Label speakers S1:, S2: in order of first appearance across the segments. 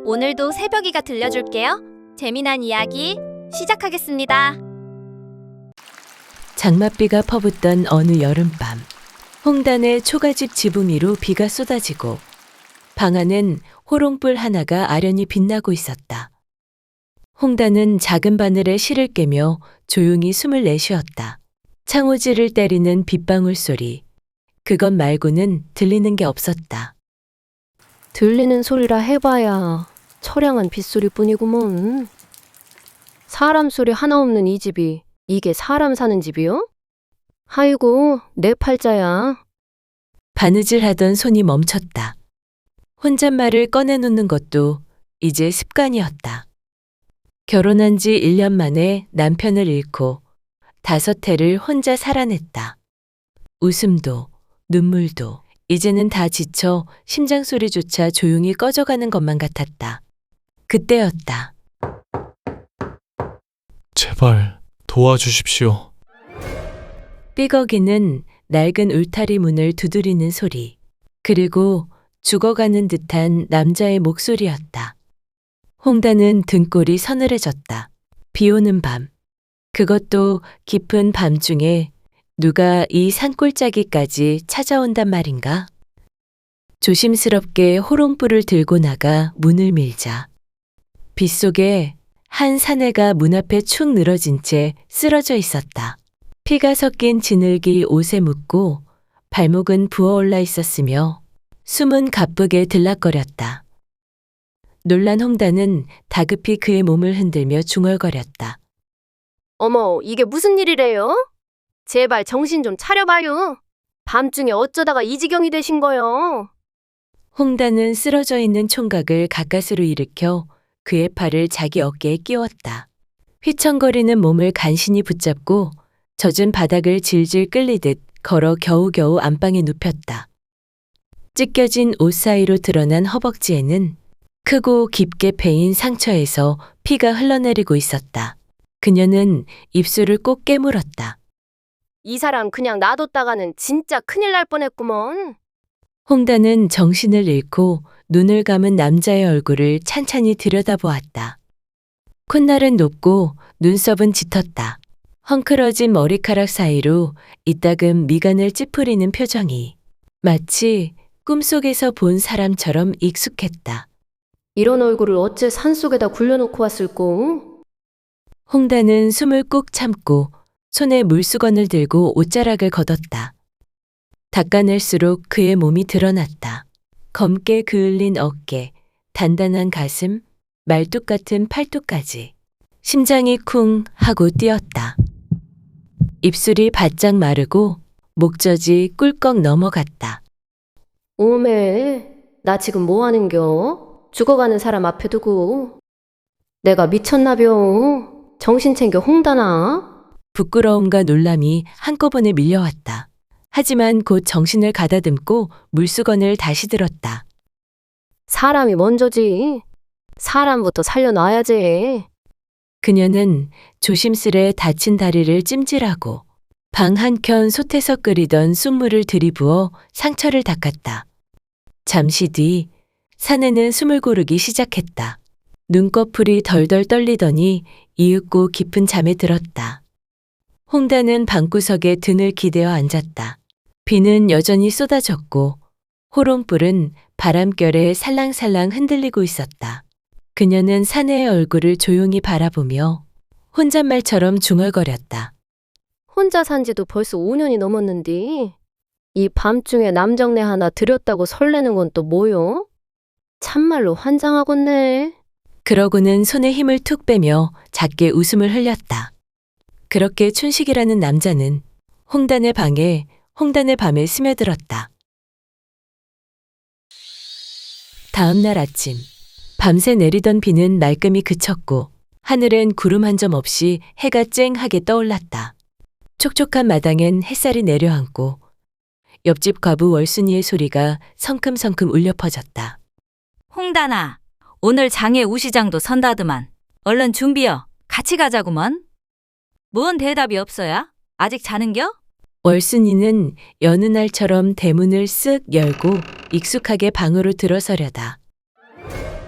S1: 오늘도 새벽이가 들려줄게요. 재미난 이야기 시작하겠습니다.
S2: 장맛비가 퍼붓던 어느 여름밤, 홍단의 초가집 지붕 위로 비가 쏟아지고 방 안엔 호롱불 하나가 아련히 빛나고 있었다. 홍단은 작은 바늘에 실을 깨며 조용히 숨을 내쉬었다. 창호지를 때리는 빗방울 소리, 그것 말고는 들리는 게 없었다.
S3: 들리는 소리라 해봐야 처량한 빗소리뿐이구먼. 사람 소리 하나 없는 이 집이 이게 사람 사는 집이요? 아이고, 내 팔자야.
S2: 바느질하던 손이 멈췄다. 혼잣말을 꺼내놓는 것도 이제 습관이었다. 결혼한 지 1년 만에 남편을 잃고 5해를 혼자 살아냈다. 웃음도 눈물도 이제는 다 지쳐 심장 소리조차 조용히 꺼져가는 것만 같았다. 그때였다.
S4: 제발 도와주십시오.
S2: 삐걱이는 낡은 울타리 문을 두드리는 소리, 그리고 죽어가는 듯한 남자의 목소리였다. 홍단은 등골이 서늘해졌다. 비 오는 밤, 그것도 깊은 밤중에 누가 이 산골짜기까지 찾아온단 말인가? 조심스럽게 호롱불을 들고 나가 문을 밀자 빗속에 한 사내가 문 앞에 축 늘어진 채 쓰러져 있었다. 피가 섞인 진흙이 옷에 묻고 발목은 부어올라 있었으며 숨은 가쁘게 들락거렸다. 놀란 홍단은 다급히 그의 몸을 흔들며 중얼거렸다.
S3: 어머, 이게 무슨 일이래요? 제발 정신 좀 차려봐요. 밤중에 어쩌다가 이 지경이 되신 거요?
S2: 홍단은 쓰러져 있는 총각을 가까스로 일으켜 그의 팔을 자기 어깨에 끼웠다. 휘청거리는 몸을 간신히 붙잡고 젖은 바닥을 질질 끌리듯 걸어 겨우겨우 안방에 눕혔다. 찢겨진 옷 사이로 드러난 허벅지에는 크고 깊게 패인 상처에서 피가 흘러내리고 있었다. 그녀는 입술을 꼭 깨물었다.
S3: 이 사람 그냥 놔뒀다가는 진짜 큰일 날 뻔했구먼.
S2: 홍단은 정신을 잃고 눈을 감은 남자의 얼굴을 찬찬히 들여다보았다. 콧날은 높고 눈썹은 짙었다. 헝클어진 머리카락 사이로 이따금 미간을 찌푸리는 표정이 마치 꿈속에서 본 사람처럼 익숙했다.
S3: 이런 얼굴을 어째 산속에다 굴려놓고 왔을꼬?
S2: 홍단은 숨을 꾹 참고 손에 물수건을 들고 옷자락을 걷었다. 닦아낼수록 그의 몸이 드러났다. 검게 그을린 어깨, 단단한 가슴, 말뚝 같은 팔뚝까지. 심장이 쿵 하고 뛰었다. 입술이 바짝 마르고 목젖이 꿀꺽 넘어갔다.
S3: 오메, 나 지금 뭐 하는겨? 죽어가는 사람 앞에 두고. 내가 미쳤나벼? 정신 챙겨 홍단아.
S2: 부끄러움과 놀람이 한꺼번에 밀려왔다. 하지만 곧 정신을 가다듬고 물수건을 다시 들었다.
S3: 사람이 먼저지. 사람부터 살려놔야지.
S2: 그녀는 조심스레 다친 다리를 찜질하고 방 한켠 솥에서 끓이던 쑥물을 들이부어 상처를 닦았다. 잠시 뒤 사내는 숨을 고르기 시작했다. 눈꺼풀이 덜덜 떨리더니 이윽고 깊은 잠에 들었다. 홍단은 방구석에 등을 기대어 앉았다. 비는 여전히 쏟아졌고 호롱불은 바람결에 살랑살랑 흔들리고 있었다. 그녀는 사내의 얼굴을 조용히 바라보며 혼잣말처럼 중얼거렸다.
S3: 혼자 산 지도 벌써 5년이 넘었는데 이 밤중에 남정네 하나 들였다고 설레는 건 또 뭐요? 참말로 환장하겠네.
S2: 그러고는 손에 힘을 툭 빼며 작게 웃음을 흘렸다. 그렇게 춘식이라는 남자는 홍단의 방에 홍단의 밤에 스며들었다. 다음 날 아침, 밤새 내리던 비는 말끔히 그쳤고 하늘엔 구름 한 점 없이 해가 쨍하게 떠올랐다. 촉촉한 마당엔 햇살이 내려앉고 옆집 과부 월순이의 소리가 성큼성큼 울려 퍼졌다.
S5: 홍단아, 오늘 장애 우시장도 선다드만. 얼른 준비여. 같이 가자구먼. 뭔 대답이 없어야? 아직 자는겨?
S2: 월순이는 여느 날처럼 대문을 쓱 열고 익숙하게 방으로 들어서려다.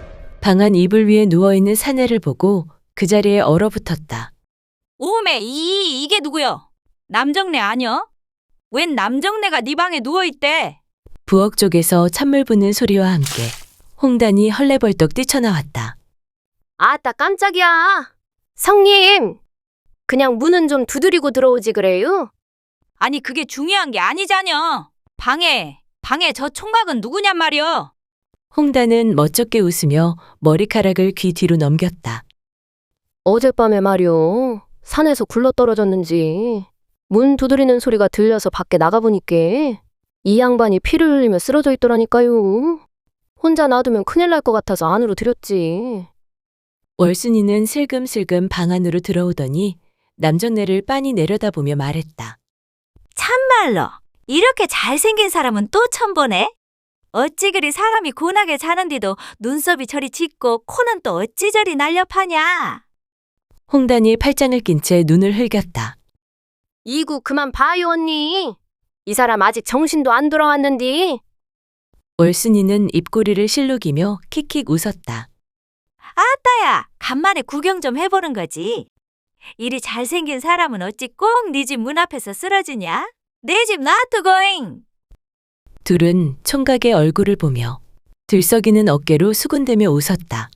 S2: 방 안 이불 위에 누워있는 사내를 보고 그 자리에 얼어붙었다.
S5: 오메, 이게 누구여? 남정네 아니여? 웬 남정네가 네 방에 누워있대?
S2: 부엌 쪽에서 찬물 부는 소리와 함께 홍단이 헐레벌떡 뛰쳐나왔다.
S3: 아따 깜짝이야. 성님, 그냥 문은 좀 두드리고 들어오지 그래요?
S5: 아니 그게 중요한 게 아니자녀. 방에 저 총각은 누구냔 말이여?
S2: 홍단은 멋쩍게 웃으며 머리카락을 귀 뒤로 넘겼다.
S3: 어젯밤에 말이요. 산에서 굴러떨어졌는지 문 두드리는 소리가 들려서 밖에 나가보니까 이 양반이 피를 흘리며 쓰러져 있더라니까요. 혼자 놔두면 큰일 날 것 같아서 안으로 들였지.
S2: 월순이는 슬금슬금 방 안으로 들어오더니 남정네를 빤히 내려다보며 말했다.
S5: 참말로 이렇게 잘생긴 사람은 또 처음 보네. 어찌 그리 사람이 고나게 자는데도 눈썹이 저리 짙고 코는 또 어찌 저리 날렵하냐.
S2: 홍단이 팔짱을 낀 채 눈을 흘겼다.
S3: 이구 그만 봐요 언니. 이 사람 아직 정신도 안 돌아왔는디.
S2: 월순이는 입꼬리를 실룩이며 킥킥 웃었다.
S5: 아따야, 간만에 구경 좀 해보는 거지. 이리 잘생긴 사람은 어찌 꼭 네 집 문 앞에서 쓰러지냐? 내 집 놔두고잉.
S2: 둘은 총각의 얼굴을 보며 들썩이는 어깨로 수군대며 웃었다.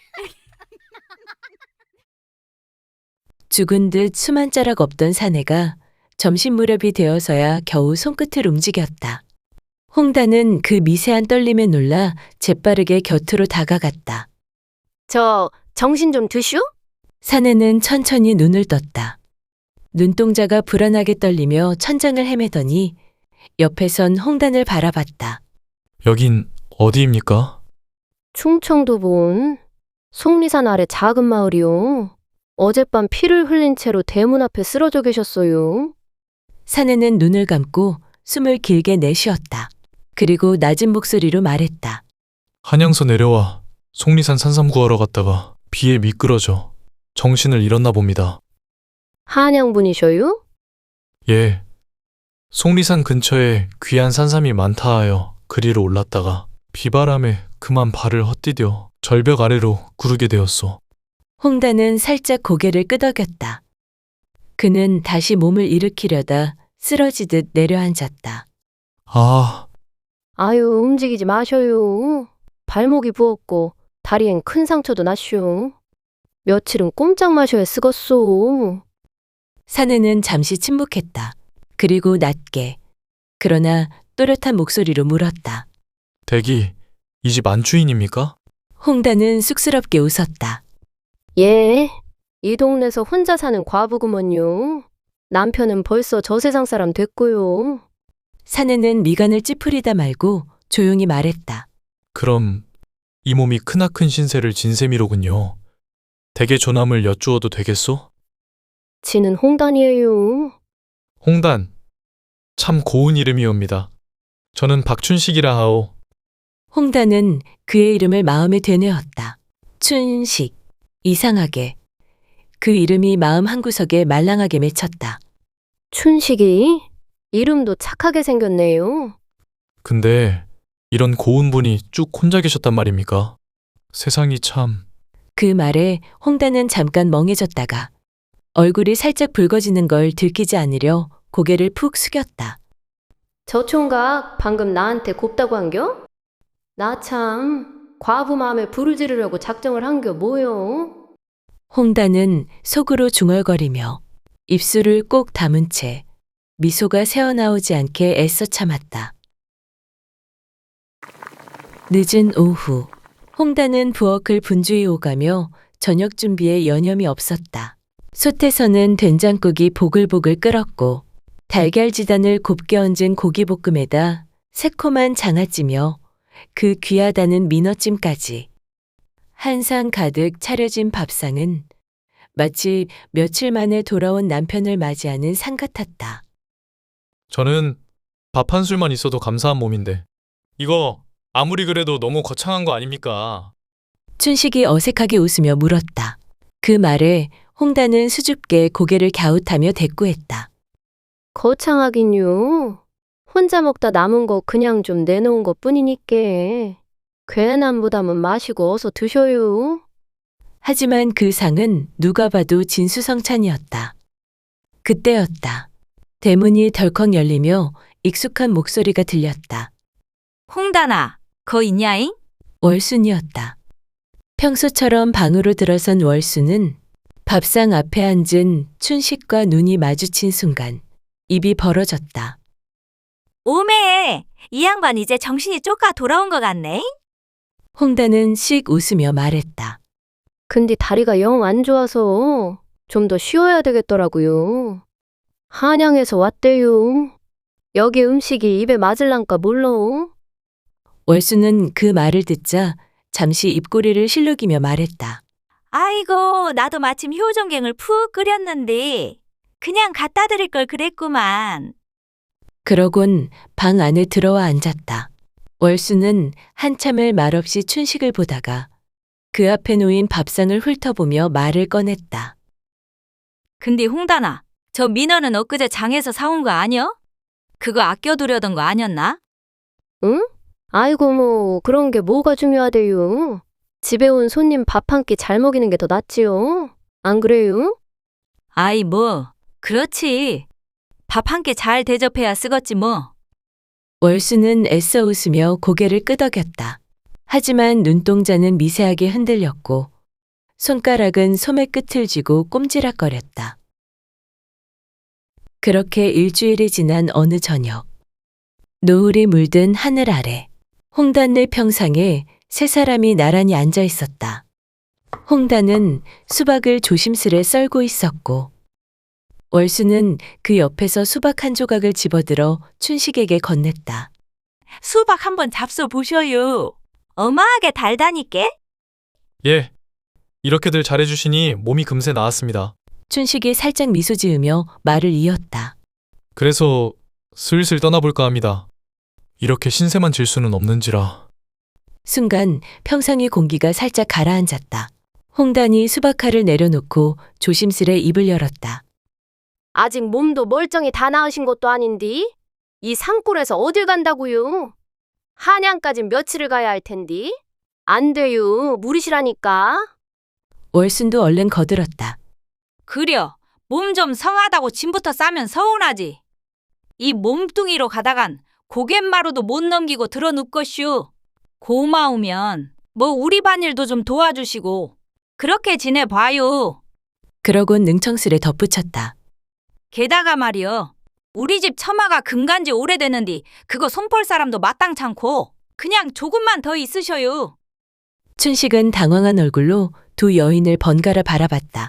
S2: 죽은 듯 숨 한 자락 없던 사내가 점심 무렵이 되어서야 겨우 손끝을 움직였다. 홍단은 그 미세한 떨림에 놀라 재빠르게 곁으로 다가갔다.
S3: 저 정신 좀 드슈?
S2: 사내는 천천히 눈을 떴다. 눈동자가 불안하게 떨리며 천장을 헤매더니 옆에선 홍단을 바라봤다.
S4: 여긴 어디입니까?
S3: 충청도 본 속리산 아래 작은 마을이요. 어젯밤 피를 흘린 채로 대문 앞에 쓰러져 계셨어요.
S2: 사내는 눈을 감고 숨을 길게 내쉬었다. 그리고 낮은 목소리로 말했다.
S4: 한양서 내려와 속리산 산삼 구하러 갔다가 비에 미끄러져 정신을 잃었나 봅니다.
S3: 한양분이셔요?
S4: 예. 속리산 근처에 귀한 산삼이 많다 하여 그리로 올랐다가 비바람에 그만 발을 헛디뎌 절벽 아래로 구르게 되었소.
S2: 홍단은 살짝 고개를 끄덕였다. 그는 다시 몸을 일으키려다 쓰러지듯 내려앉았다.
S4: 아,
S3: 아유 움직이지 마셔요. 발목이 부었고 다리엔 큰 상처도 났슈. 며칠은 꼼짝 마셔야 쓰겄소.
S2: 사내는 잠시 침묵했다. 그리고 낮게 그러나 또렷한 목소리로 물었다.
S4: 댁이 이 집 안주인입니까?
S2: 홍단은 쑥스럽게 웃었다.
S3: 예, 이 동네에서 혼자 사는 과부구먼요. 남편은 벌써 저 세상 사람 됐고요.
S2: 사내는 미간을 찌푸리다 말고 조용히 말했다.
S4: 그럼 이 몸이 크나큰 신세를 진 셈이로군요. 댁의 조남을 여쭈어도 되겠소?
S3: 지는 홍단이에요.
S4: 홍단, 참 고운 이름이옵니다. 저는 박춘식이라 하오.
S2: 홍단은 그의 이름을 마음에 되뇌었다. 춘식. 이상하게 그 이름이 마음 한구석에 말랑하게 맺혔다.
S3: 춘식이? 이름도 착하게 생겼네요.
S4: 근데 이런 고운 분이 쭉 혼자 계셨단 말입니까? 세상이 참...
S2: 그 말에 홍단은 잠깐 멍해졌다가 얼굴이 살짝 붉어지는 걸 들키지 않으려 고개를 푹 숙였다.
S3: 저 총각 방금 나한테 곱다고 한겨? 나 참 과부 마음에 불을 지르려고 작정을 한겨 뭐요?
S2: 홍단은 속으로 중얼거리며 입술을 꼭 다문 채 미소가 새어나오지 않게 애써 참았다. 늦은 오후, 홍단은 부엌을 분주히 오가며 저녁 준비에 여념이 없었다. 솥에서는 된장국이 보글보글 끓었고 달걀 지단을 곱게 얹은 고기볶음에다 새콤한 장아찌며 그 귀하다는 민어찜까지 한 상 가득 차려진 밥상은 마치 며칠 만에 돌아온 남편을 맞이하는 상 같았다.
S4: 저는 밥 한 술만 있어도 감사한 몸인데 이거 아무리 그래도 너무 거창한 거 아닙니까?
S2: 춘식이 어색하게 웃으며 물었다. 그 말에 홍단은 수줍게 고개를 갸웃하며 대꾸했다.
S3: 거창하긴요. 혼자 먹다 남은 거 그냥 좀 내놓은 것 뿐이니께. 괜한 부담은 마시고 어서 드셔요.
S2: 하지만 그 상은 누가 봐도 진수성찬이었다. 그때였다. 대문이 덜컥 열리며 익숙한 목소리가 들렸다.
S5: 홍단아, 거 있냐잉?
S2: 월순이었다. 평소처럼 방으로 들어선 월순은 밥상 앞에 앉은 춘식과 눈이 마주친 순간 입이 벌어졌다.
S5: 오메, 이 양반 이제 정신이 쪼까 돌아온 것 같네?
S2: 홍단은 씩 웃으며 말했다.
S3: 근데 다리가 영 안 좋아서 좀 더 쉬어야 되겠더라고요. 한양에서 왔대요. 여기 음식이 입에 맞을란가 몰라.
S2: 월순은 그 말을 듣자 잠시 입꼬리를 실룩이며 말했다.
S5: 아이고, 나도 마침 효종갱을 푹 끓였는데 그냥 갖다 드릴 걸 그랬구만.
S2: 그러곤 방 안에 들어와 앉았다. 월순은 한참을 말없이 춘식을 보다가 그 앞에 놓인 밥상을 훑어보며 말을 꺼냈다.
S5: 근데 홍단아, 저 민어는 엊그제 장에서 사온 거 아니여? 그거 아껴두려던 거 아니었나?
S3: 응? 아이고 뭐 그런 게 뭐가 중요하대요. 집에 온 손님 밥 한 끼 잘 먹이는 게 더 낫지요. 안 그래요?
S5: 아이 뭐, 그렇지. 밥 한 끼 잘 대접해야 쓰겄지 뭐.
S2: 월순은 애써 웃으며 고개를 끄덕였다. 하지만 눈동자는 미세하게 흔들렸고 손가락은 소매 끝을 쥐고 꼼지락거렸다. 그렇게 일주일이 지난 어느 저녁, 노을이 물든 하늘 아래 홍단네 평상에 세 사람이 나란히 앉아 있었다. 홍단은 수박을 조심스레 썰고 있었고 월수는 그 옆에서 수박 한 조각을 집어들어 춘식에게 건넸다.
S5: 수박 한번 잡숴 보셔요. 어마하게 달다니께?
S4: 예. 이렇게들 잘해주시니 몸이 금세 나았습니다.
S2: 춘식이 살짝 미소 지으며 말을 이었다.
S4: 그래서 슬슬 떠나볼까 합니다. 이렇게 신세만 질 수는 없는지라.
S2: 순간 평상의 공기가 살짝 가라앉았다. 홍단이 수박칼을 내려놓고 조심스레 입을 열었다.
S3: 아직 몸도 멀쩡히 다 나으신 것도 아닌디? 이 산골에서 어딜 간다고요? 한양까진 며칠을 가야 할 텐디? 안 돼요. 무리시라니까.
S2: 월순도 얼른 거들었다.
S5: 그려, 몸 좀 성하다고 짐부터 싸면 서운하지. 이 몸뚱이로 가다간 고갯마루도 못 넘기고 들어눕것슈. 고마우면 뭐 우리 반일도 좀 도와주시고 그렇게 지내봐요.
S2: 그러곤 능청스레 덧붙였다.
S5: 게다가 말이여, 우리 집 처마가 금간지 오래되는디 그거 손볼 사람도 마땅찮고 그냥 조금만 더 있으셔요.
S2: 춘식은 당황한 얼굴로 두 여인을 번갈아 바라봤다.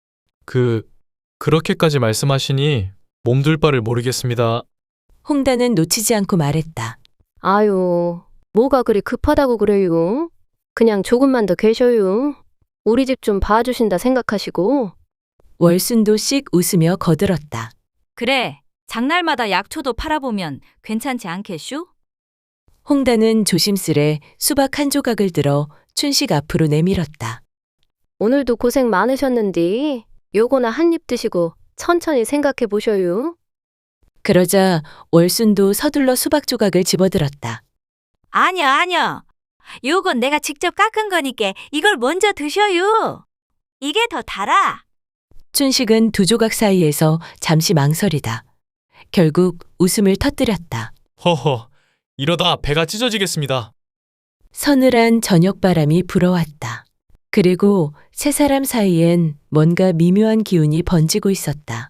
S4: 그렇게까지 말씀하시니 몸둘 바를 모르겠습니다.
S2: 홍단은 놓치지 않고 말했다.
S3: 아유, 뭐가 그리 급하다고 그래요? 그냥 조금만 더 계셔요. 우리 집 좀 봐주신다 생각하시고.
S2: 월순도 씩 웃으며 거들었다.
S5: 그래, 장날마다 약초도 팔아보면 괜찮지 않겠슈?
S2: 홍단은 조심스레 수박 한 조각을 들어 춘식 앞으로 내밀었다.
S3: 오늘도 고생 많으셨는데 요거나 한 입 드시고 천천히 생각해 보셔요.
S2: 그러자 월순도 서둘러 수박 조각을 집어들었다.
S5: 아니야. 요건 내가 직접 깎은 거니까 이걸 먼저 드셔요. 이게 더 달아.
S2: 춘식은 두 조각 사이에서 잠시 망설이다. 결국 웃음을 터뜨렸다.
S4: 허허, 이러다 배가 찢어지겠습니다.
S2: 서늘한 저녁바람이 불어왔다. 그리고 세 사람 사이엔 뭔가 미묘한 기운이 번지고 있었다.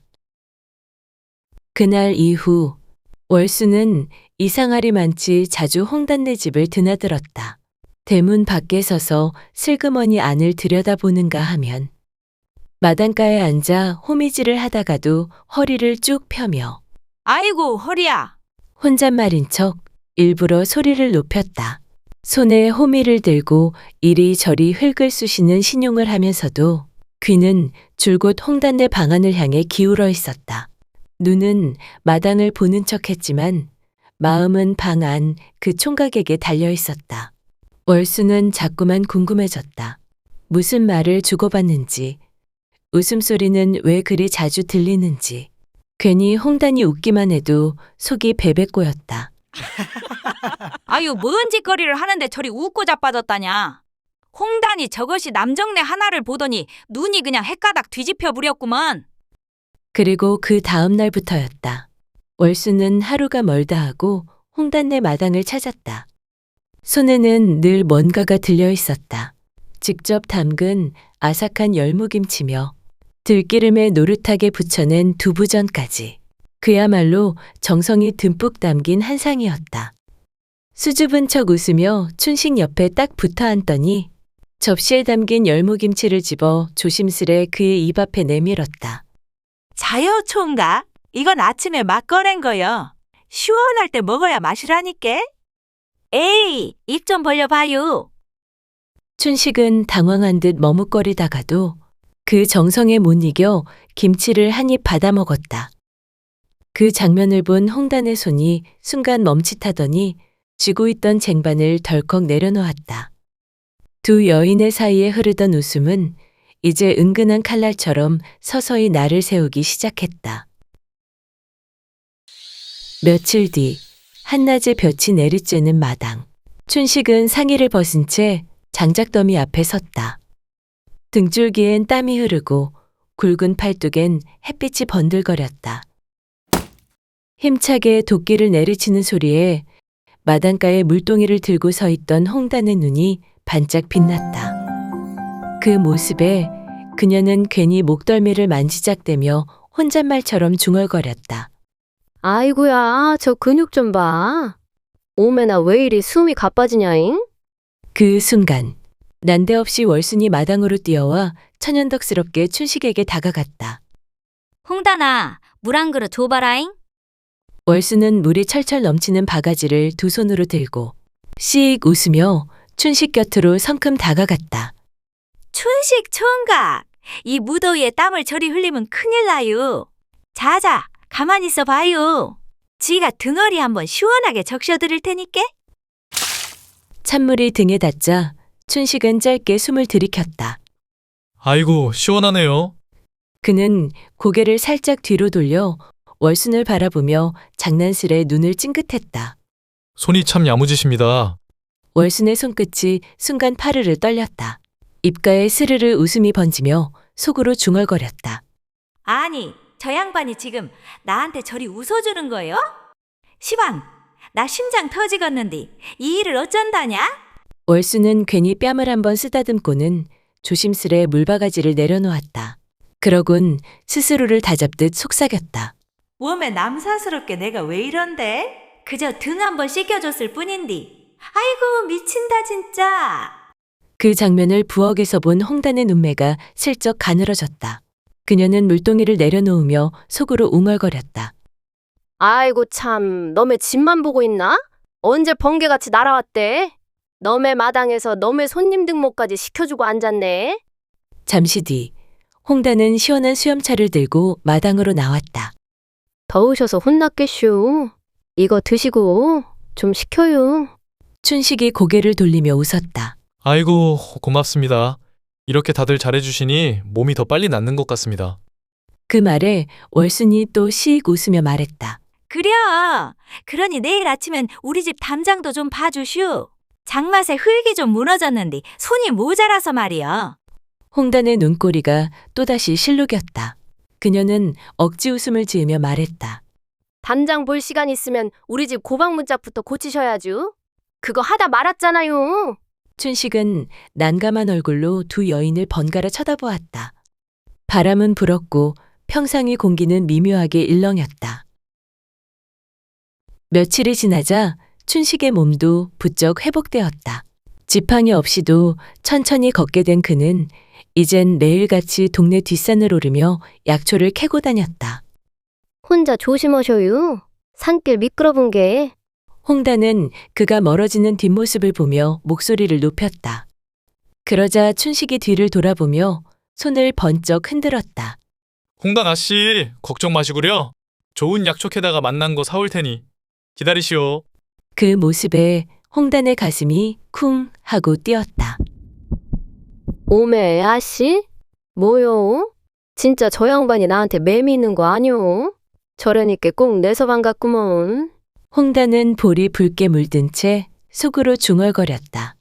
S2: 그날 이후 월수는 이상하리 많지 자주 홍단네 집을 드나들었다. 대문 밖에 서서 슬그머니 안을 들여다보는가 하면 마당가에 앉아 호미질을 하다가도 허리를 쭉 펴며
S5: 아이고, 허리야.
S2: 혼잣말인 척 일부러 소리를 높였다. 손에 호미를 들고 이리저리 흙을 쑤시는 신용을 하면서도 귀는 줄곧 홍단네 방안을 향해 기울어 있었다. 눈은 마당을 보는 척했지만 마음은 방 안 그 총각에게 달려 있었다. 월수는 자꾸만 궁금해졌다. 무슨 말을 주고받는지, 웃음소리는 왜 그리 자주 들리는지, 괜히 홍단이 웃기만 해도 속이 베베 꼬였다.
S5: 아유, 뭔 짓거리를 하는데 저리 웃고 자빠졌다냐. 홍단이 저것이 남정네 하나를 보더니 눈이 그냥 헷가닥 뒤집혀 부렸구먼.
S2: 그리고 그 다음 날부터였다. 월수는 하루가 멀다 하고 홍단네 마당을 찾았다. 손에는 늘 뭔가가 들려 있었다. 직접 담근 아삭한 열무김치며 들기름에 노릇하게 부쳐낸 두부전까지. 그야말로 정성이 듬뿍 담긴 한상이었다. 수줍은 척 웃으며 춘식 옆에 딱 붙어 앉더니 접시에 담긴 열무김치를 집어 조심스레 그의 입 앞에 내밀었다.
S6: 자요 총각, 이건 아침에 막 꺼낸 거요. 시원할 때 먹어야 맛이라니까.
S5: 에이, 입 좀 벌려봐요.
S2: 춘식은 당황한 듯 머뭇거리다가도 그 정성에 못 이겨 김치를 한 입 받아 먹었다. 그 장면을 본 홍단의 손이 순간 멈칫하더니 쥐고 있던 쟁반을 덜컥 내려놓았다. 두 여인의 사이에 흐르던 웃음은 이제 은근한 칼날처럼 서서히 날을 세우기 시작했다. 며칠 뒤 한낮에 볕이 내리쬐는 마당. 춘식은 상의를 벗은 채 장작더미 앞에 섰다. 등줄기엔 땀이 흐르고 굵은 팔뚝엔 햇빛이 번들거렸다. 힘차게 도끼를 내리치는 소리에 마당가에 물동이를 들고 서 있던 홍단의 눈이 반짝 빛났다. 그 모습에 그녀는 괜히 목덜미를 만지작대며 혼잣말처럼 중얼거렸다.
S3: 아이고야, 저 근육 좀 봐. 오메나 왜 이리 숨이 가빠지냐잉?
S2: 그 순간 난데없이 월순이 마당으로 뛰어와 천연덕스럽게 춘식에게 다가갔다.
S1: 홍단아, 물 한 그릇 줘봐라잉.
S2: 월수는 물이 철철 넘치는 바가지를 두 손으로 들고 씩 웃으며 춘식 곁으로 성큼 다가갔다.
S6: 춘식 총각, 이 무더위에 땀을 저리 흘리면 큰일 나요. 자자, 가만히 있어 봐요. 지가 등어리 한번 시원하게 적셔드릴 테니까.
S2: 찬물이 등에 닿자 춘식은 짧게 숨을 들이켰다.
S4: 아이고, 시원하네요.
S2: 그는 고개를 살짝 뒤로 돌려 월순을 바라보며 장난스레 눈을 찡긋했다.
S4: 손이 참 야무지십니다.
S2: 월순의 손끝이 순간 파르르 떨렸다. 입가에 스르르 웃음이 번지며 속으로 중얼거렸다.
S6: 아니, 저 양반이 지금 나한테 저리 웃어주는 거요? 시방, 나 심장 터지겠는데 이 일을 어쩐다냐?
S2: 월수는 괜히 뺨을 한번 쓰다듬고는 조심스레 물바가지를 내려놓았다. 그러곤 스스로를 다잡듯 속삭였다.
S6: 몸에 남사스럽게 내가 왜 이런데? 그저 등 한번 씻겨줬을 뿐인디. 아이고, 미친다 진짜.
S2: 그 장면을 부엌에서 본 홍단의 눈매가 슬쩍 가늘어졌다. 그녀는 물동이를 내려놓으며 속으로 웅얼거렸다.
S3: 아이고 참, 너네 집만 보고 있나? 언제 번개같이 날아왔대? 너네 마당에서 너네 손님 등목까지 시켜주고 앉았네.
S2: 잠시 뒤 홍단은 시원한 수염차를 들고 마당으로 나왔다.
S3: 더우셔서 혼났겠슈. 이거 드시고 좀 식혀요.
S2: 춘식이 고개를 돌리며 웃었다.
S4: 아이고, 고맙습니다. 이렇게 다들 잘해주시니 몸이 더 빨리 낫는 것 같습니다.
S2: 그 말에 월순이 또 씩 웃으며 말했다.
S6: 그려. 그러니 내일 아침엔 우리 집 담장도 좀 봐주슈. 장맛에 흙이 좀 무너졌는데 손이 모자라서 말이여.
S2: 홍단의 눈꼬리가 또다시 실룩였다. 그녀는 억지 웃음을 지으며 말했다.
S3: 담장 볼 시간 있으면 우리 집 고방 문짝부터 고치셔야죠. 그거 하다 말았잖아요.
S2: 춘식은 난감한 얼굴로 두 여인을 번갈아 쳐다보았다. 바람은 불었고 평상의 공기는 미묘하게 일렁였다. 며칠이 지나자 춘식의 몸도 부쩍 회복되었다. 지팡이 없이도 천천히 걷게 된 그는 이젠 매일같이 동네 뒷산을 오르며 약초를 캐고 다녔다.
S3: 혼자 조심하셔요. 산길 미끄러운 게.
S2: 홍단은 그가 멀어지는 뒷모습을 보며 목소리를 높였다. 그러자 춘식이 뒤를 돌아보며 손을 번쩍 흔들었다.
S4: 홍단 아씨, 걱정 마시구려. 좋은 약초캐다가 만난 거 사올 테니 기다리시오.
S2: 그 모습에 홍단의 가슴이 쿵 하고 뛰었다.
S3: 오메 아씨? 뭐요? 진짜 저 양반이 나한테 매미 있는 거 아니오? 저러니까 꼭 내서 반갑구먼.
S2: 홍단은 볼이 붉게 물든 채 속으로 중얼거렸다.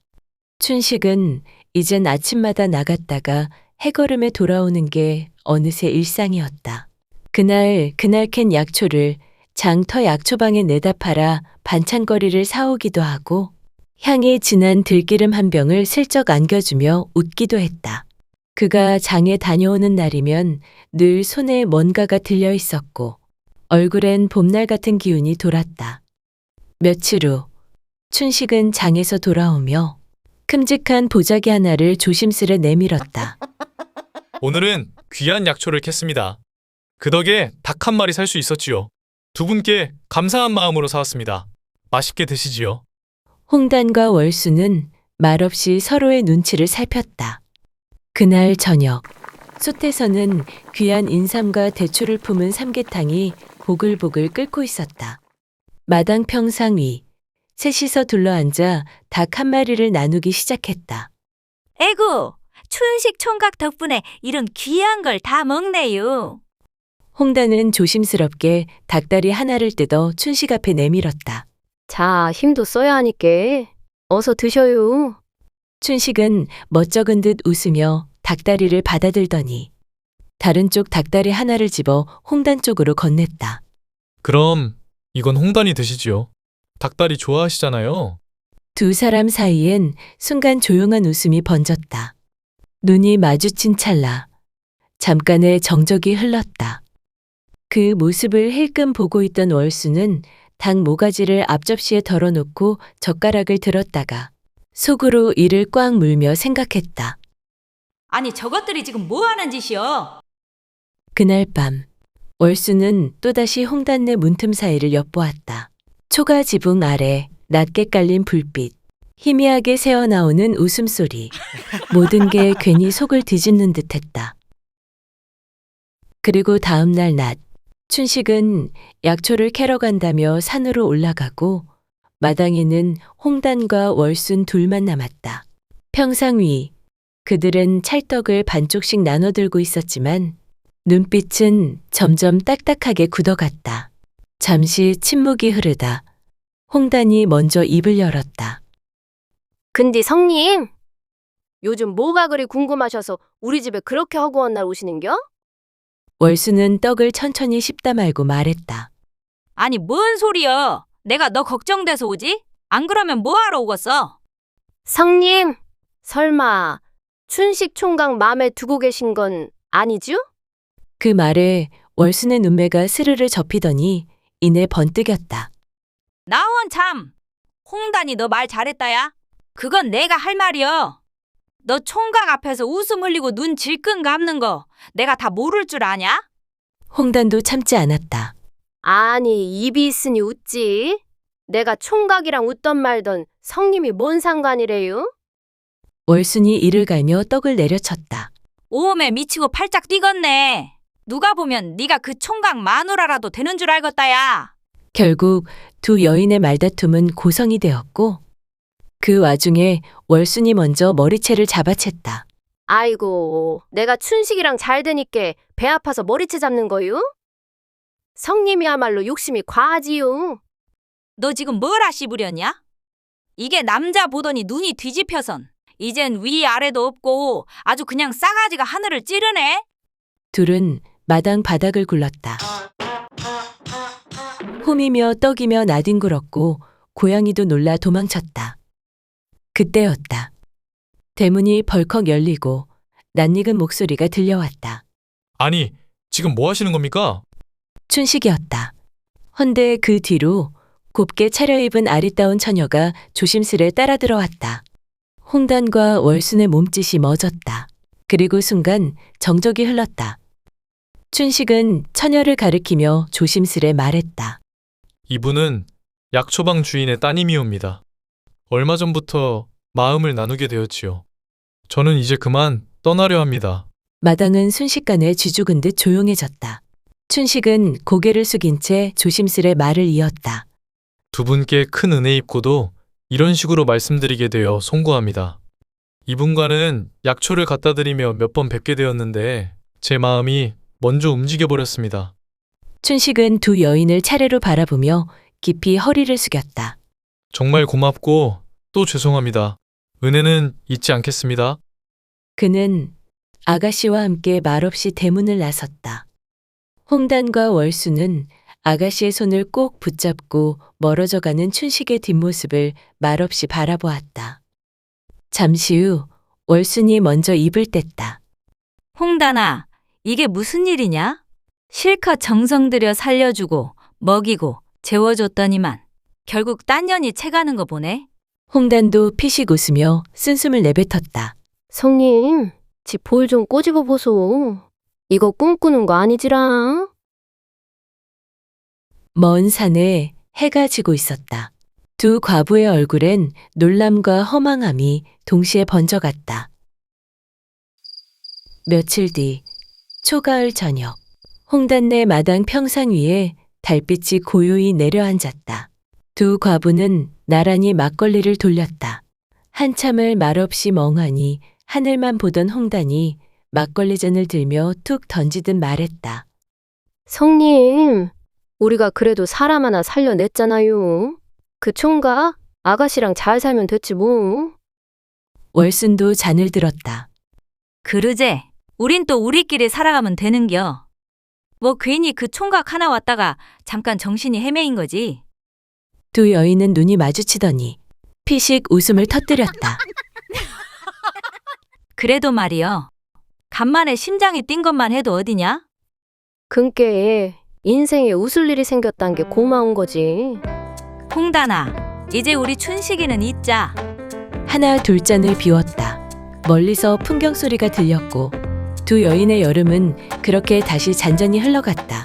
S2: 춘식은 이젠 아침마다 나갔다가 해걸음에 돌아오는 게 어느새 일상이었다. 그날 캔 약초를 장터 약초방에 내다 팔아 반찬거리를 사오기도 하고 향이 진한 들기름 한 병을 슬쩍 안겨주며 웃기도 했다. 그가 장에 다녀오는 날이면 늘 손에 뭔가가 들려 있었고 얼굴엔 봄날 같은 기운이 돌았다. 며칠 후 춘식은 장에서 돌아오며 큼직한 보자기 하나를 조심스레 내밀었다.
S4: 오늘은 귀한 약초를 캤습니다. 그 덕에 닭 한 마리 살 수 있었지요. 두 분께 감사한 마음으로 사왔습니다. 맛있게 드시지요.
S2: 홍단과 월수는 말없이 서로의 눈치를 살폈다. 그날 저녁, 솥에서는 귀한 인삼과 대추를 품은 삼계탕이 보글보글 끓고 있었다. 마당 평상 위, 셋이서 둘러앉아 닭 한 마리를 나누기 시작했다.
S6: 에구, 춘식 총각 덕분에 이런 귀한 걸 다 먹네요.
S2: 홍단은 조심스럽게 닭다리 하나를 뜯어 춘식 앞에 내밀었다.
S3: 자, 힘도 써야 하니께. 어서 드셔요.
S2: 춘식은 멋쩍은 듯 웃으며 닭다리를 받아들더니 다른 쪽 닭다리 하나를 집어 홍단 쪽으로 건넸다.
S4: 그럼 이건 홍단이 드시지요. 닭다리 좋아하시잖아요.
S2: 두 사람 사이엔 순간 조용한 웃음이 번졌다. 눈이 마주친 찰나 잠깐의 정적이 흘렀다. 그 모습을 힐끔 보고 있던 월수는 닭 모가지를 앞접시에 덜어놓고 젓가락을 들었다가 속으로 이를 꽉 물며 생각했다.
S5: 아니 저것들이 지금 뭐 하는 짓이여?
S2: 그날 밤 월수는 또다시 홍단내 문틈 사이를 엿보았다. 초가 지붕 아래 낮게 깔린 불빛, 희미하게 새어나오는 웃음소리, 모든 게 괜히 속을 뒤집는 듯했다. 그리고 다음 날 낮, 춘식은 약초를 캐러 간다며 산으로 올라가고 마당에는 홍단과 월순 둘만 남았다. 평상 위, 그들은 찰떡을 반쪽씩 나눠 들고 있었지만 눈빛은 점점 딱딱하게 굳어갔다. 잠시 침묵이 흐르다 홍단이 먼저 입을 열었다.
S3: 근데 성님, 요즘 뭐가 그리 궁금하셔서 우리 집에 그렇게 허구한 날 오시는겨?
S2: 월수는 떡을 천천히 씹다 말고 말했다.
S5: 아니 뭔 소리여? 내가 너 걱정돼서 오지? 안 그러면 뭐하러 오겠어?
S3: 성님, 설마 춘식 총각 맘에 두고 계신 건 아니죠?
S2: 그 말에 월순의 눈매가 스르르 접히더니 이내 번뜩였다.
S5: 나원 참! 홍단이 너 말 잘했다야? 그건 내가 할 말이여. 너 총각 앞에서 웃음 흘리고 눈 질끈 감는 거 내가 다 모를 줄 아냐?
S2: 홍단도 참지 않았다.
S3: 아니, 입이 있으니 웃지. 내가 총각이랑 웃던 말던 성님이 뭔 상관이래요?
S2: 월순이 이를 갈며 떡을 내려쳤다.
S5: 오음에 미치고 팔짝 뛰겠네. 누가 보면 네가 그 총각 마누라라도 되는 줄 알겠다야.
S2: 결국 두 여인의 말다툼은 고성이 되었고 그 와중에 월순이 먼저 머리채를 잡아챘다.
S3: 아이고, 내가 춘식이랑 잘 되니까 배 아파서 머리채 잡는 거요? 성님이야말로 욕심이 과하지요.
S5: 너 지금 뭐라 씹으렸냐? 이게 남자 보더니 눈이 뒤집혀선 이젠 위아래도 없고 아주 그냥 싸가지가 하늘을 찌르네.
S2: 둘은 마당 바닥을 굴렀다. 홈이며 떡이며 나뒹굴었고 고양이도 놀라 도망쳤다. 그때였다. 대문이 벌컥 열리고 낯익은 목소리가 들려왔다.
S4: 아니, 지금 뭐 하시는 겁니까?
S2: 춘식이었다. 헌데 그 뒤로 곱게 차려입은 아리따운 처녀가 조심스레 따라 들어왔다. 홍단과 월순의 몸짓이 멎었다. 그리고 순간 정적이 흘렀다. 춘식은 처녀를 가리키며 조심스레 말했다.
S4: 이분은 약초방 주인의 따님이옵니다. 얼마 전부터 마음을 나누게 되었지요. 저는 이제 그만 떠나려 합니다.
S2: 마당은 순식간에 쥐죽은 듯 조용해졌다. 춘식은 고개를 숙인 채 조심스레 말을 이었다.
S4: 두 분께 큰 은혜 입고도 이런 식으로 말씀드리게 되어 송구합니다. 이분과는 약초를 갖다 드리며 몇 번 뵙게 되었는데 제 마음이 먼저 움직여 버렸습니다.
S2: 춘식은 두 여인을 차례로 바라보며 깊이 허리를 숙였다.
S4: 정말 고맙고 또 죄송합니다. 은혜는 잊지 않겠습니다.
S2: 그는 아가씨와 함께 말없이 대문을 나섰다. 홍단과 월수는 아가씨의 손을 꼭 붙잡고 멀어져가는 춘식의 뒷모습을 말없이 바라보았다. 잠시 후 월순이 먼저 입을 뗐다.
S5: 홍단아, 이게 무슨 일이냐? 실컷 정성 들여 살려주고 먹이고 재워줬더니만 결국 딴 년이 채가는 거 보네.
S2: 홍단도 피식 웃으며 쓴숨을 내뱉었다.
S3: 성님, 지 볼 좀 꼬집어 보소. 이거 꿈꾸는 거 아니지라?
S2: 먼 산에 해가 지고 있었다. 두 과부의 얼굴엔 놀람과 허망함이 동시에 번져갔다. 며칠 뒤 초가을 저녁, 홍단내 마당 평상 위에 달빛이 고요히 내려앉았다. 두 과부는 나란히 막걸리를 돌렸다. 한참을 말없이 멍하니 하늘만 보던 홍단이 막걸리 잔을 들며 툭 던지듯 말했다.
S3: 성님, 우리가 그래도 사람 하나 살려냈잖아요. 그 총각, 아가씨랑 잘 살면 됐지 뭐.
S2: 월순도 잔을 들었다.
S5: 그러제, 우린 또 우리끼리 살아가면 되는겨. 뭐 괜히 그 총각 하나 왔다가 잠깐 정신이 헤매인 거지.
S2: 두 여인은 눈이 마주치더니 피식 웃음을 터뜨렸다.
S5: 그래도 말이여. 간만에 심장이 뛴 것만 해도 어디냐?
S3: 근께 인생에 웃을 일이 생겼단 게 고마운 거지.
S5: 홍단아, 이제 우리 춘식이는 잊자.
S2: 하나 둘 잔을 비웠다. 멀리서 풍경 소리가 들렸고 두 여인의 여름은 그렇게 다시 잔잔히 흘러갔다.